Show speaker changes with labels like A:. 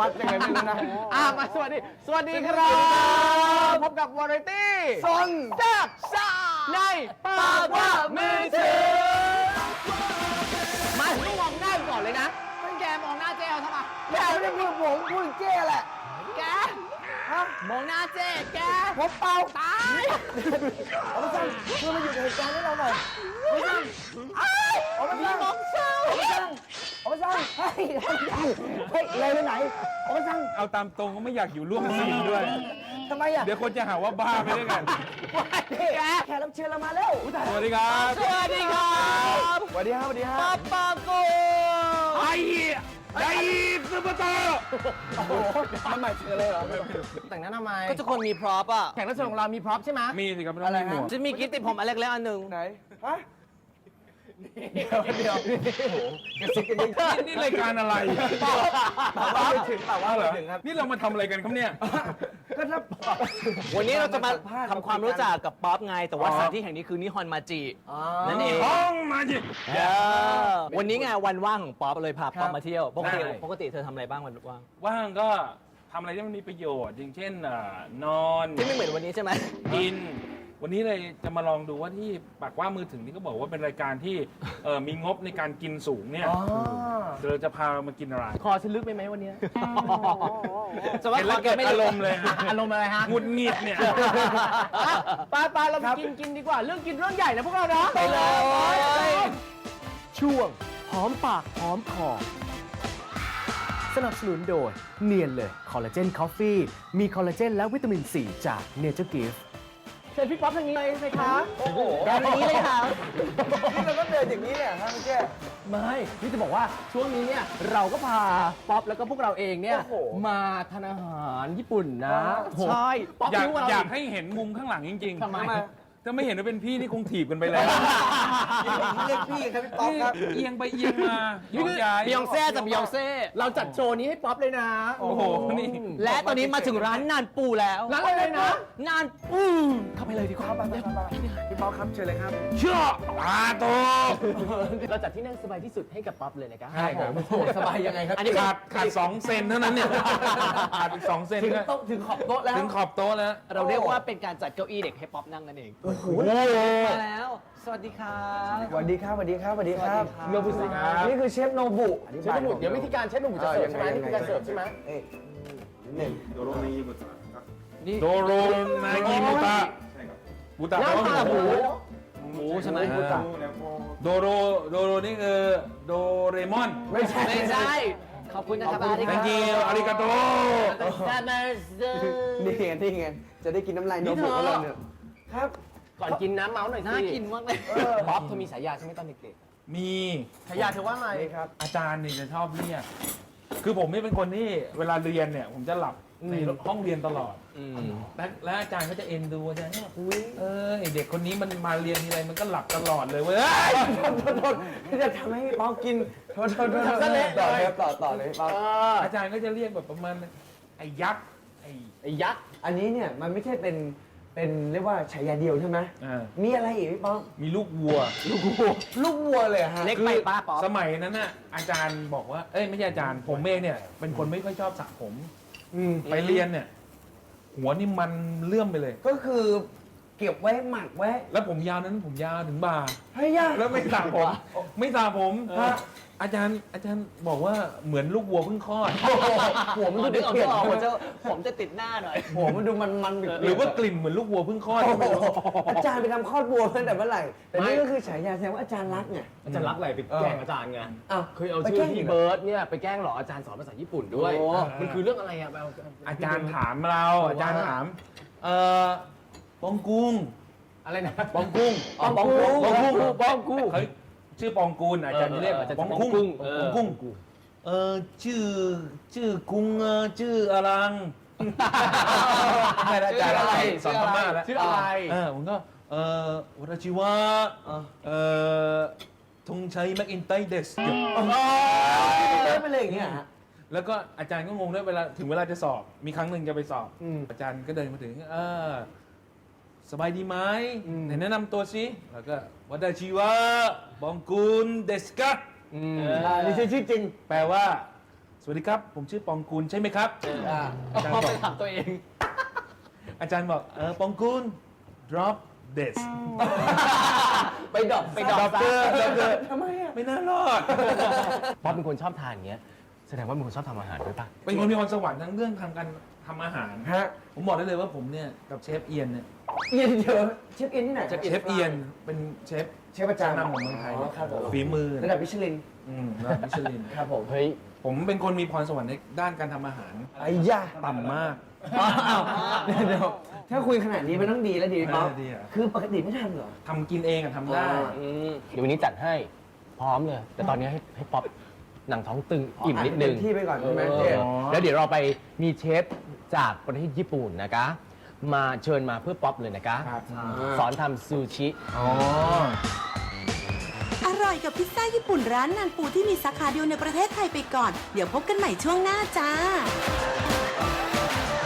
A: ดยังไงไม่รู้นะมาสวัสดีครับพบกับวาไรตี้ซนแซ่บซ่าในปากว่ามือถือมาถึงมองหน้าก่อนเลยนะแกมองหน้าเจ๊เอาทำไมแกไม่ได้พูดผมพูดเจ๊แหละแกมองหน้าเจ๊แกผมเป่าตายเอาไปสั่งเพื่อมาอยู่ในเหตุการณ์ให้เราหน่อยเอาไปสั่งเอาไปสั่งเอาไปสั่งเฮ้ยเลยไปไหนเอาไปสั่ง
B: เอาตามตรงก็ไม่อยากอยู่ร่วมซีนด้วย
A: ทำไมอ่ะ
B: เดี๋ยวคนจะหาว่าบ้าไปด้วยกัน
A: แขกรับเชิญเรามาแล้ว
B: สวัสดีครับ
A: สวัสดีครับสวัสดีครับสวัสดีครับป้าปาโก
B: ไอ้ซูเปอร์โต
A: โอ้โหมันใหม่เชิญเลยเหรอแต่งหน้าทำไมก็ทุกคนมีพร็อพอ่ะแขกรับเชิญของเรามีพร็อพใช่ไหม
B: มีสิครับไม่ต้องมีหมวก
A: จะมีกิ๊บติดผมอันเล็กๆอันหนึ่งไหนฮะเดี๋ยวกระซิบกันนิด
B: นี่รายการอะไร
A: ว่าไม่ถึงเปล่าว่า
B: เหร
A: ไม่
B: อ
A: ถึงครับ
B: นี่เรามาทำอะไรกันครับเนี่ย
A: ก็ถ้าวันนี้เราจะมาทำความรู้จักกับป๊อปไงแต่ว่าสถานที่แห่งนี้คือนิฮอนมาจินั่นเอง
B: ห้องมาจิ
A: วันนี้ไงวันว่างของป๊อปเลยพาป๊อปมาเที่ยวปกติ
B: ใช่
A: ปกติเธอทำอะไรบ้างวันว่าง
B: ว่างก็ทำอะไรที่มันมีประโยชน์ อย่างเช่นนอน
A: ที่ไม่เหมือนวันนี้ใช่ไหม
B: กิน วันนี้เลยจะมาลองดูว่าที่ปากว่ามือถึงที่เขาบอกว่าเป็นรายการที่มีงบในการกินสูงเนี่ยเราจะพามากินอะไร
A: คอฉันลึกไปไหมวันนี้
B: เห็นแล้วเกิดอารมณ์เลยฮะ
A: อารมณ์อะไรฮะ
B: หงุดหงิดเนี่ย
A: ไปเราไปกินดีกว่าเรื่องกินเรื่องใหญ่นะพวกเรานะไปเลยช่วงหอมปากหอมคอสนับสนุนโดยเนียนเลยคอลลาเจนคอฟฟี่มีคอลลาเจนและวิตามินซีจากเนเจอร์กิฟต์เชิญพี่ป๊อปทางนี้เลยสิคะโอ้โหแบบนี้เลยค่ะนี่เราก็เดินอย่างนี้เนี่ยครับแกไม่พี่จะบอกว่าช่วงนี้เนี่ยเราก็พาป๊อปแล้วก็พวกเราเองเนี่ยมาทานอาหารญี่ปุ่นนะใช่ป๊อป
B: อยากให้เห็นมุมข้างหลังจริงๆ
A: ทำไม
B: ถ้าไม่เห็นว่าเป็นพี่นี่คงถีบกันไปแล้ว
A: เรียกพี่ครับพี่ป๊อปครับ
B: เอียงไปเอียงมาย้อนย้าย
A: บิยองเซ่จากบิยองเซ่เราจัดโชว์นี้ให้ป๊อปเลยนะ
B: โอ้โหนี่
A: และตอนนี้มาถึงร้านนานปูแล้วร้านอะไรนะนานปูเข้าไปเลยดีกว่าพี่ป๊อปครับเชิญเลยครับ
B: เชื่ออาโต
A: เราจัดที่นั่งสบายที่สุดให้กับป๊อปเลยนะครับ
B: ใช่ครับ
A: สบายยังไงครับอันนี้
B: ขาด2 เซนเท่านั้นเนี่ยขาดอีก2 เซน
A: ถึงโต๊ะถึงขอบโต๊ะแล้ว
B: ถึงขอบโต๊ะแล้ว
A: เราเรียกว่าเป็นการจัดเก้าอี้เด็กให้ป๊อปนั่งนั่นเองโอ้โหมาแล้ว สวัสดีครับ
C: สวัสดีครับสวัสดีครับสวัสดีครับ
A: โนบุสิครับ
C: นี่คือเชฟโนบุ
A: เชฟโนบุเดี๋ยววิธีการเชฟโนบุจะเสิร์ฟใช่ไหมนี่คือการเสิร์ฟใช่ไหม
B: โดโรนางิบุตะบุตะ
A: ย่าง
B: แปล
A: ขา
B: ว่า
A: ห
B: ห
A: มู
B: มู
A: หมูใช่ไหม
B: โดโรนี่คือโดเรมอน
A: ไม่ใช่ขอบคุณนะครับอาริกา
B: thank you อาริกาโต
C: นี่ไงจะได้กินน้ำลายโนบุของเราเนี่ยครับ
A: ก่อนกินน้ำเมาส์หน่อยสิ
D: น่ากินมากเลย
A: ป๊อปเธอมีฉายาใช่ไหมตอนเด็ก
B: มี
A: ๆฉายาเธอว่าไง
C: นี่ครับ
B: อาจารย์นี่จะชอบเรียกคือผมนี่เป็นคนที่เวลาเรียนเนี่ยผมจะหลับในห้องเรียนตลอด และอาจารย์ก็จะเอ็นดูอาจารย์เนี่ยไอเด็กคนนี้มันมาเรียนทีไรมันก็หลับตลอดเลยเว้ย
C: โทษจะทำให้ป๊อปกินโทษต่อเลยต่อเลยป๊อป
B: อาจารย์ก็จะเรียกแบบประมาณไอ้ยักษ์ไอ้
A: ไอ้ยักษ์
C: อันนี้เนี่ยมันไม่ใช่เป็นเรียกว่าฉายาเดียวใช่ไหม มีอะไรอีกพี่ป๊อป
B: มีลูกวัว
C: ลูกวัวเลยฮะ
A: เล็กไปป้าป๊อป
B: สมัยนั้นน่ะอาจารย์บอกว่าเอ้ยไม่ใช่อาจารย์ผมเองเนี่ยเป็นคนไม่ค่อยชอบสระผมไปเรียนเนี่ยหัวนี่มันเลื่อมไปเลย
C: ก็คือเก็บไว้หมักไว้
B: แล้วผมยาวนั้นผมยาวถึงบ่า
C: เฮ้ยยาก
B: แล้วไม่สระผมไม่สระผมอาจารย์บอกว่าเหมือนลูกวัวเพิ่งคลอด
C: หัวมันดู
A: ดึงออก
C: เปลี่ยน
A: ผมจะติดหน้าหน่อย
C: หัวมันดูมันๆ
B: หรือว่ากลิ่นเหมือนลูกวัวเพิ่งคลอด
C: อาจารย์ไปทำคลอดบัวตั้งแต่เมื่อไหร่ แต่นี่ก็คือฉายาแสดงว่าอาจารย์รักไง
A: อาจารย์รักอะไรไปแกล้งอาจารย์ไง
C: อ้าว
A: เคยเอาชื่อพี่เบิร์ดเนี่ยไปแกล้งหรออาจารย์สอนภาษาญี่ปุ่นด้วย
C: โอ้
A: มันคือเรื่องอะไรอะ
B: อาจารย์ถามเราอาจารย์ถามปองกุ้ง
A: อะไรนะ
B: ปองกุ้ง
A: ปองกุ้ง
B: ปองกุ้ง
A: ปองกุ้ง
B: เขาชื่อปองกูลอาจารย์จะเรียก
A: อาจารย์
B: ปอง
A: ปอง
B: กุ้ง
A: กุ้ง
B: ปองกุ้งชื่อกุ้งชื่ออลังไม่ได้อาจารย์อะไรสอนพม่าแล้ว
A: ชื่ออะไร
B: ผมก็วรชิวะธงชัยแม็กอินไตเดส
C: เล่นไปเลยอย่างเงี้ยฮะ
B: แล้วก็อาจารย์ก็งงด้วยถึงเวลาจะสอบ มีครั้งหนึ่งจะไปสอบ อาจารย์ก็เดินมาถึงสบายดีไหมไหนแนะนำตัวสิแล้วก็วัดชิวะบองกุลเดสกะ
C: นี่ชื่อจริง
B: แปลว่าสวัสดีครับ ผมชื่อปองกูลใช่ไหมครับ อาจารย์
A: พอ
B: บอก
A: ไปถามตัวเอง
B: อาจารย์บอกปองกูล drop this
A: ไปดรอป
B: drop
A: ซะ
C: ทำไมอ่ะ
B: ไม่น่ารอด
A: ป๊อปเป็นคนชอบทานอย่างเงี้ยแสดงว่าเป็นคนชอบทำอาหารด้วยปะ
B: เป็นคนมีพรสวรรค์ทั้งเรื่องทำการทำอาหาร
C: ฮะ
B: ผมบอกได้เลยว่าผมเนี่ยกับเชฟเอียนเนี่ย
C: เอียนเยอะเชฟเอียนที่ไหน
B: เชฟเอียนเป็นเชฟ
C: เชฟประจำ
B: นำของเมืองไทย
C: ครับผม
B: ฝีมือ
C: ระดับมิชลิน
B: ระดับมิชลิน
C: ครับผม
A: เฮ้ย
B: ผมเป็นคนมีพรสวรรค์ในด้านการทำอาหาร
C: ไอ้ย่า
B: ต่ำมาก
C: อ้าวเดี๋ยวถ้าคุยขนาดนี้มันต้องดีแล้วดีป๊อป
B: ดีอะ
C: คือปกติไม่ทำเหรอ
B: ทำกินเองอะทำได้
A: เดี๋ยววันนี้จัดให้พร้อมเลย แต่ตอนนี้ให้ป๊อปหนังท้องตึงอิ่มนิดนึง
C: เต็มที่ไปก่อนใช่ไหม
A: เอ
C: เจ๊
A: อแล้วเดี๋ยวเราไปมีเชฟจากประเทศญี่ปุ่นนะคะ มาเชิญมาเพื่อป๊อปเลยนะคะ
B: ครับ
A: สอนทำซูชิ
B: อ๋อ
D: อร่อยกับพิซซ่าญี่ปุ่นร้านนันปูที่มีสาขาเดียวในประเทศไทยไปก่อน เดี๋ยวพบกันใหม่ช่วงหน้าจ้า